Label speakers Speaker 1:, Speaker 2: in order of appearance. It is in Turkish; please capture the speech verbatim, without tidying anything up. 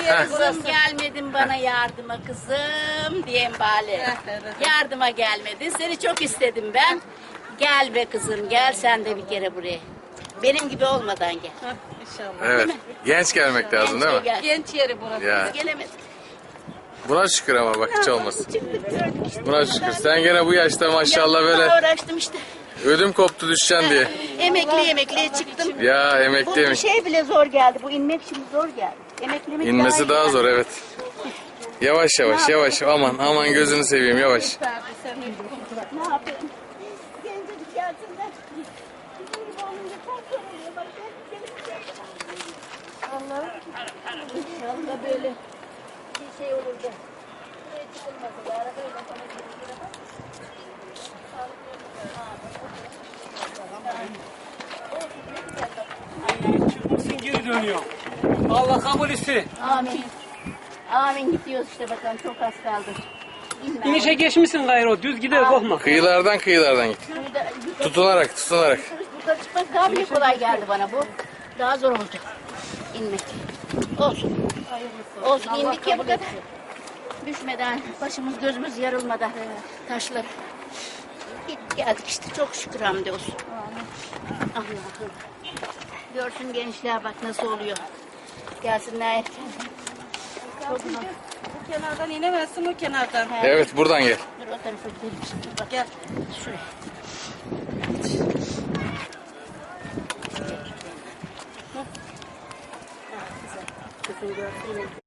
Speaker 1: Kızım gelmedin bana yardıma kızım diyeyim bari. Yardıma gelmedin. Seni çok istedim ben. Gel be kızım gel sen de bir kere buraya. Benim gibi olmadan gel.
Speaker 2: İnşallah.
Speaker 3: Evet. Genç gelmek lazım değil mi?
Speaker 1: Gel.
Speaker 2: Genç yeri burası.
Speaker 3: Ya.
Speaker 1: Biz gelemedik.
Speaker 3: Buna şükür ama bak hiç olmasın.
Speaker 1: Çıktık gördük işte.
Speaker 3: Buna şükür. Sen gene bu yaşta maşallah
Speaker 1: Yapmaya
Speaker 3: böyle
Speaker 1: uğraştım işte.
Speaker 3: ödüm koptu düşeceksin diye.
Speaker 1: Emekli emekliye çıktım.
Speaker 3: Ya
Speaker 1: Bu
Speaker 3: emekliymiş.
Speaker 1: şey bile zor geldi. Bu inmek şimdi zor geldi. Emeklemek
Speaker 3: İnmesi daha
Speaker 1: iyi
Speaker 3: zor
Speaker 1: yani.
Speaker 3: evet. Yavaş yavaş yavaş aman aman gözünü seveyim yavaş.
Speaker 1: Ne yapayım? Gencecik gelsinler. Bizim gibi olunca çok zor oluyor. Bak, Allah'ım. İnşallah böyle bir şey olur da. Buraya çıkılmasın. Arabayla sana gelirler ama.
Speaker 4: Çıkmışsın geri dönüyor. Allah kabul etsin.
Speaker 1: Amin. Amin gidiyoruz işte bakalım çok az kaldı. İnme.
Speaker 4: İnişe geçmişsin gayrı, düz gider korkma.
Speaker 3: Kıyılardan kıyılardan git.
Speaker 1: Şurada yukarı-
Speaker 3: Tutunarak tutunarak.
Speaker 1: Yukarı çıkmak daha bile kolay geldi bana bu. Daha zor oldu. İnmek. Olsun. Olsun indik ya bu kadar. Düşmeden, başımız gözümüz yarılmadan taşlar. Git geldik işte çok şükür hamdolsun. Allah'ım. Görsün gençler bak nasıl oluyor. Gelsinler erken.
Speaker 2: Çok zor. Bu kenardan inemezsin o kenardan.
Speaker 3: Evet buradan gel.
Speaker 1: Dur o tarafa gidelim şimdi. Bak
Speaker 2: Gel.
Speaker 1: şuraya. Kızım görsün.